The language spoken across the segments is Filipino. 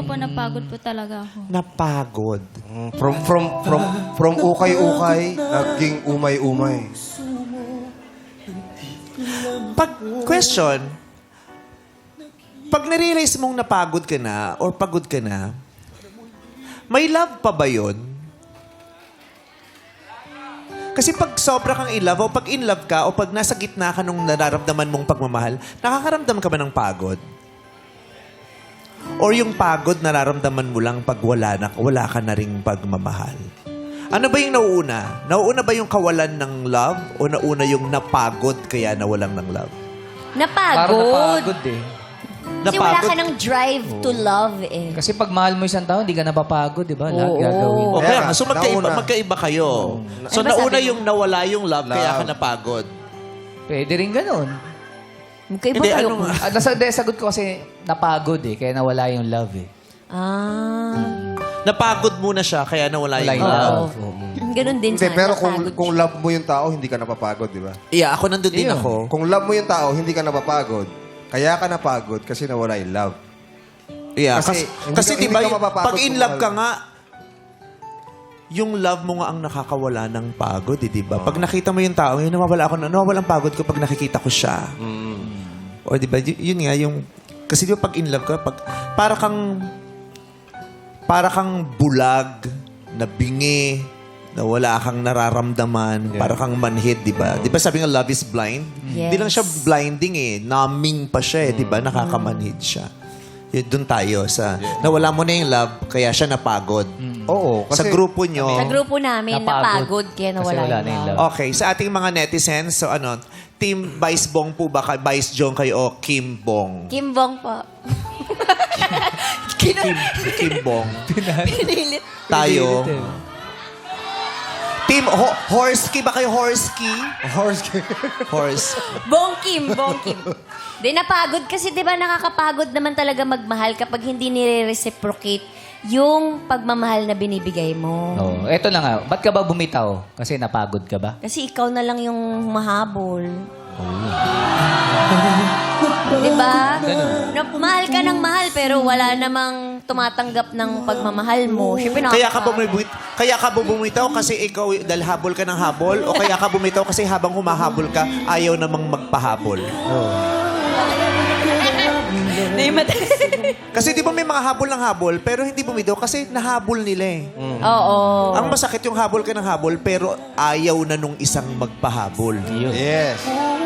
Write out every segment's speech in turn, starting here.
Opo, napagod po talaga ako. Napagod. From ukay-ukay, naging umay-umay. Pag narealize mong napagod ka na or pagod ka na, may love pa ba yun? Kasi pag sobra kang in love o pag in love ka o pag nasa gitna ka nung nararamdaman mong pagmamahal, nakakaramdam ka ba ng pagod? Or yung pagod nararamdaman mo lang pag wala ka na ring pagmamahal? Ano ba yung nauuna? Nauuna ba yung kawalan ng love o nauna yung napagod kaya nawalan ng love? Parang napagod eh. Kasi wala ka ng drive to love eh. Kasi pag mahal mo isang tao, hindi ka napapagod, di ba? Lahat gagawin. O kaya nga, so nauna. magkaiba kayo. So Ano ba nauna sabi yung nawala yung love, kaya ka Love. napagod. Pwede rin ganun. Magkaiba Hindi, kayo. ano nga? Sagot ko kasi napagod eh, kaya nawala yung love eh. Napagod muna siya, kaya nawala Wala yung yung love. love. Ganun din Hindi, sana. pero napagod kung siya. love mo yung tao, hindi ka napapagod, di ba? Yeah, ako nandun din Yun. ako. Kung love mo yung tao, hindi ka napapagod. Kaya ka napagod kasi nawala yung love. Yeah, Kasi kasi hindi diba, ka mapapagod pag in kung love ka mahal. nga, yung love mo nga ang nakakawala ng pagod, eh, di ba? Pag nakita mo yung tao, yun, nawawala ang pagod ko pag nakikita ko siya. O di ba, yun nga, yung, kasi di ba pag in love ka, para kang bulag, na bingi, na wala kang nararamdaman, para kang manhid, di ba? Di ba sabi nga love is blind? Yes. Di lang siya blinding eh, numbing pa siya eh, di ba? Nakakamanhid siya. Yun, doon tayo sa, nawala mo na yung love, kaya siya napagod. Oo. Sa grupo nyo, Sa grupo namin, napagod kaya Kasi nawala wala na yung yung love. love. okay, sa ating mga netizens, so ano, Team Vice Bong po ba? Vice Jong kayo o Kim Bong? Kim Bong po. Kim Bong. Pinilit. Tayo. Team Horsky ba kayo? Horsky? Horse. Bong Kim. Di napagod kasi di ba nakakapagod naman talaga magmahal kapag hindi nire-reciprocate yung pagmamahal na binibigay mo. Oh, eto na nga. Ba't ka ba bumitaw? Kasi napagod ka ba? Kasi ikaw na lang yung mahabol. Di ba? Mahal ka ng mahal pero wala namang tumatanggap ng pagmamahal mo. Siyempre, Kaya ka bumitaw kasi ikaw dahil habol ka ng habol o kaya ka bumitaw kasi habang humahabol ka ayaw namang magpahabol. Kasi di ba may mga habol ng habol pero hindi bumitaw kasi nahabol nila eh. Oo. Ang masakit yung habol ka ng habol pero ayaw na nung isang magpahabol. Yes.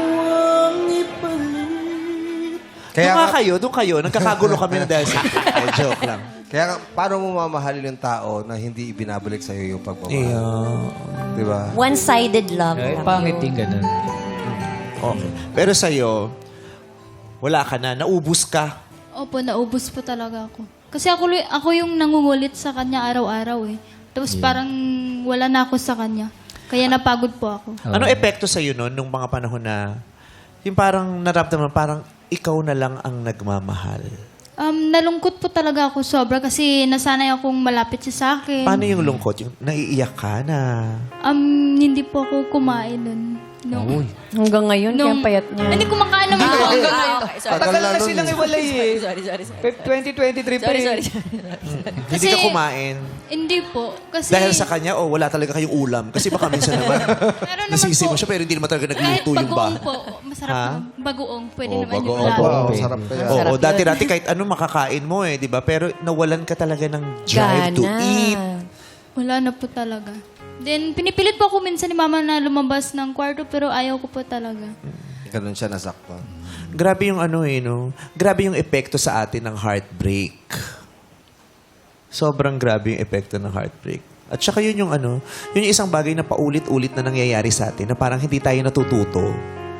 Doon kayo. Nagkakagulo kami na dahil sa... joke lang. Kaya nga, paano mo mamahalin yung tao na hindi ibinabalik sa'yo yung pagmamahal? Yeah. Di ba? One-sided love. Eh, lang pangit yun. din ganun. Okay. Pero sa'yo, wala ka na. Naubos ka. Opo, naubos po talaga ako. Kasi ako yung nangungulit sa kanya araw-araw eh. Tapos parang wala na ako sa kanya. Kaya napagod po ako. Ano epekto sa'yo nun nung mga panahon na yung parang naramdaman, parang ikaw na lang ang nagmamahal? Nalungkot po talaga ako sobra kasi nasanay akong malapit siya sa akin. Paano yung lungkot? Yung naiiyak ka na? Hindi po ako kumain nun. Hanggang ngayon, kaya ang payat niya. Hindi kumakain naman ako hanggang ngayon. Tagal na silang iwalay eh. Sorry. 2023 pa eh. Hindi ka kumain? Hindi po. Kasi Dahil sa kanya o wala talaga kayong ulam? Kasi baka minsan naman, Meron naman nasisi po. mo siya pero hindi naman talaga kahit nagluto yung bagoong ba? po, masarap Ha? naman. Bagoong, pwede Oo, naman yung bagoong lalo. po. Oo. Sarap kaya. Oo, Sarap dati kahit ano makakain mo eh, di ba? Pero nawalan ka talaga ng drive to eat. Wala na po talaga. Then, pinipilit po ako minsan ni Mama na lumabas ng kwarto pero ayaw ko po talaga. Ganun siya nasaktan. Grabe yung ano eh, no? Grabe yung epekto sa atin ng heartbreak. Sobrang grabe yung epekto ng heartbreak. At saka yun yung ano, yun yung isang bagay na paulit-ulit na nangyayari sa atin na parang hindi tayo natututo.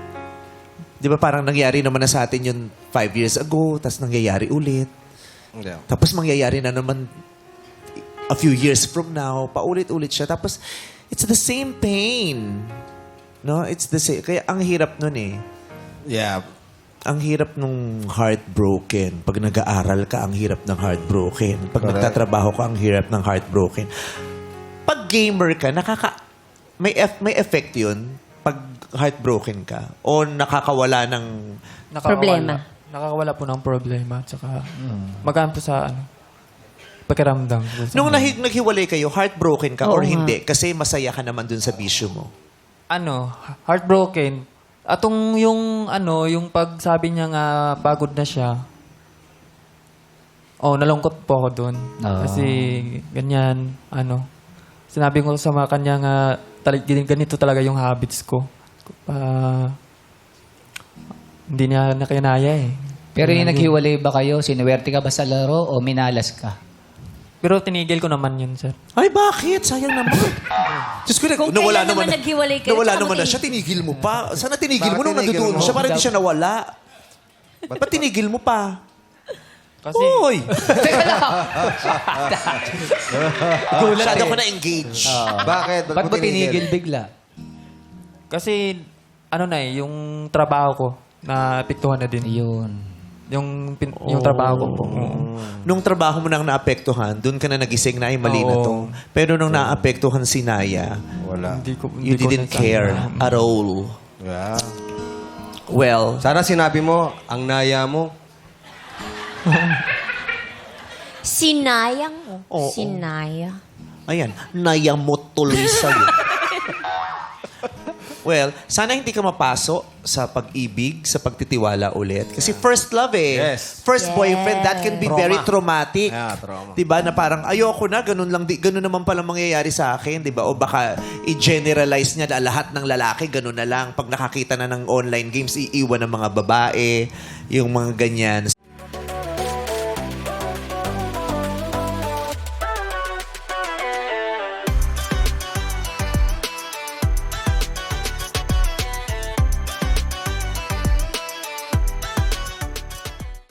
Di ba parang nangyari naman na sa atin yun 5 years ago, tapos nangyayari ulit. Hindi. Tapos mangyayari na naman a few years from now, paulit-ulit siya. Tapos, it's the same pain. No? It's the same. Kaya ang hirap nun eh. Yeah. Ang hirap nung heartbroken. Pag nag-aaral ka, ang hirap ng heartbroken. Pag Correct. nagtatrabaho ka, ang hirap ng heartbroken. Pag gamer ka, may effect yun pag heartbroken ka o nakakawala ng Problema. Nakakawala po ng problema. Tsaka, magaan po sa, pakiramdam. Nung naghiwalay kayo, heartbroken ka Oo or nga. hindi? Kasi masaya ka naman dun sa bisyo mo. Heartbroken. Atong yung pagsabi niya nga pagod na siya. Nalungkot po ako doon. Ah. Kasi ganyan, sinabi ko sa mga kanya nga ganito talaga yung habits ko. Hindi niya nakinaya eh. Pero yung naghiwalay ba kayo, sinuwerte ka ba sa laro o minalas ka? Pero tinigil ko naman yun, sir. Ay, bakit? Sayang naman. Diyos ko, Kung nawala kailan naman naman naghiwalay kayo, nawala tsaka naman na matin- siya, tinigil mo pa. Sana tinigil mo Bakit nung tinigil nandoon mo? siya para hindi siya nawala. Ba't tinigil mo pa? Kasi, Uy! Masyado ko na-engage. Bakit? Ba't mo tinigil bigla? kasi yung trabaho ko, na apektuhan na din. Yun. Yung trabaho ko po. Oo. Nung trabaho mo nang naapektuhan, doon ka na nagising na ay mali na to. Oo. Pero nung naapektuhan si Naya, Wala. you didn't care at all. Yeah. Well, Sana sinabi mo, ang naya mo. Sinayang mo. Oo. Sinaya. ayan, Naya mo tuloy sa'yo. Well, sana hindi ka mapaso sa pag-ibig, sa pagtitiwala ulit. Kasi first love eh. Yes. First boyfriend, that can be Trauma. very traumatic. Yeah, trauma. Diba? Na parang, ayoko na, ganun naman pala mangyayari sa akin. Diba? O baka i-generalize niya na lahat ng lalaki, ganun na lang. Pag nakakita na ng online games, iiwan ng mga babae, yung mga ganyan.